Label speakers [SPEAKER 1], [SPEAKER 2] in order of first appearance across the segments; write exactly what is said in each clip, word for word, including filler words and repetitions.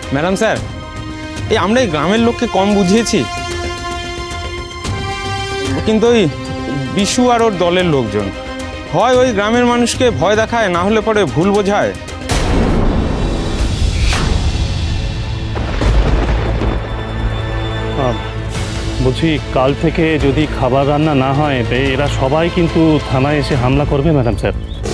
[SPEAKER 1] Madam sir, এই আমরা এই গ্রামের লোককে কম বুঝিয়েছি, কিন্তু ওই বিশু আর ওর দলের লোকজন হয় ওই গ্রামের মানুষকে ভয় দেখায়, না হলে পরে ভুল বোঝায়।
[SPEAKER 2] বলছি, কাল থেকে যদি খাবার রান্না না হয় এরা সবাই কিন্তু থানায় এসে হামলা করবে ম্যাডাম স্যার।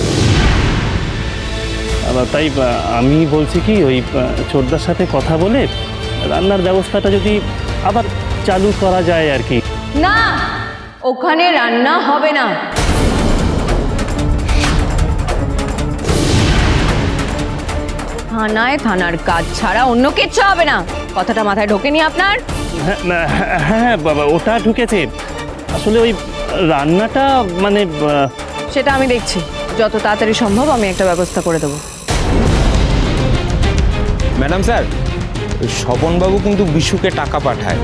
[SPEAKER 2] তাই আমি বলছি কি, ওই চোরদার সাথে কথা বলে রান্নার ব্যবস্থাটা যদি আবার চালু করা যায় আর কি।
[SPEAKER 3] না, ওখানে রান্না হবে না। থানায় থানার কাজ ছাড়া অন্য কিচ্ছু হবে না। কথাটা মাথায় ঢোকেনি আপনার?
[SPEAKER 2] হ্যাঁ হ্যাঁ হ্যাঁ বাবা, ওটা ঢুকেছে। আসলে ওই রান্নাটা মানে
[SPEAKER 3] সেটা আমি দেখছি, যত তাড়াতাড়ি সম্ভব আমি একটা ব্যবস্থা করে দেবো।
[SPEAKER 1] ম্যাডাম স্যার, ওই স্বপনবাবু কিন্তু বিশুকে টাকা পাঠায়।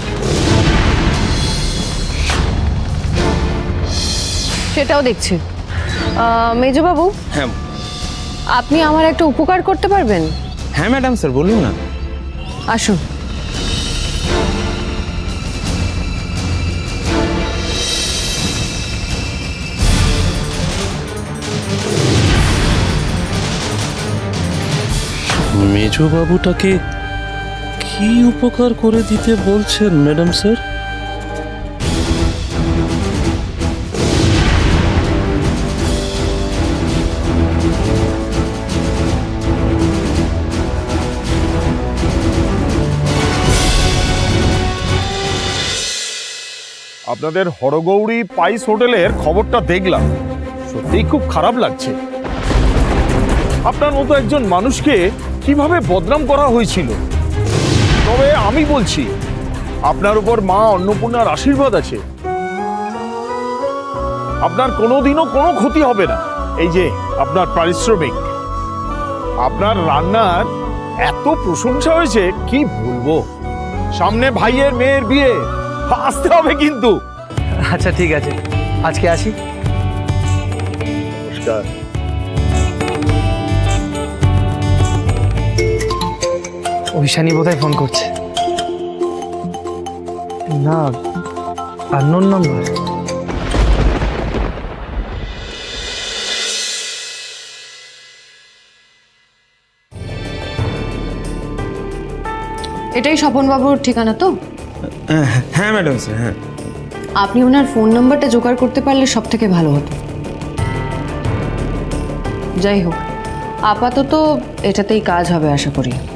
[SPEAKER 3] সেটাও দেখছি। মেজবাবু,
[SPEAKER 1] হ্যাঁ
[SPEAKER 3] আপনি আমার একটা উপকার করতে পারবেন?
[SPEAKER 1] হ্যাঁ ম্যাডাম স্যার, বলুন না।
[SPEAKER 3] আসুন।
[SPEAKER 4] মেজবাবুটাকে কি উপকার করে দিতে বলছেন ম্যাডাম স্যার?
[SPEAKER 5] আপনাদের হরগৌরী পাইস হোটেলের খবরটা দেখলাম, সত্যিই খুব খারাপ লাগছে। আপনার মতো একজন মানুষকে কিভাবে বদনাম করা হয়েছিল। তবে আমি বলছি, আপনার উপর মা অন্নপূর্ণার আশীর্বাদ আছে, আপনার কোনোদিনও কোনো ক্ষতি হবে না। এই যে আপনার পারিশ্রমিক, আপনার রান্নার এত প্রশংসা হয়েছে কি বলবো। সামনে ভাইয়ের মেয়ের বিয়ে, আসতে হবে কিন্তু।
[SPEAKER 6] আচ্ছা ঠিক আছে, আজকে আসি।
[SPEAKER 5] নমস্কার।
[SPEAKER 6] ঐশানী বোধহয় ফোন করছে। না, আননোন নাম্বার।
[SPEAKER 3] এটাই স্বপনবাবুর ঠিকানা তো?
[SPEAKER 1] হ্যাঁ ম্যাডাম স্যার, হ্যাঁ।
[SPEAKER 3] আপনি ওনার ফোন নাম্বারটা জোগাড় করতে পারলে সব থেকে ভালো হতো। যাই হোক, আপাতত এটাতেই কাজ হবে আশা করি।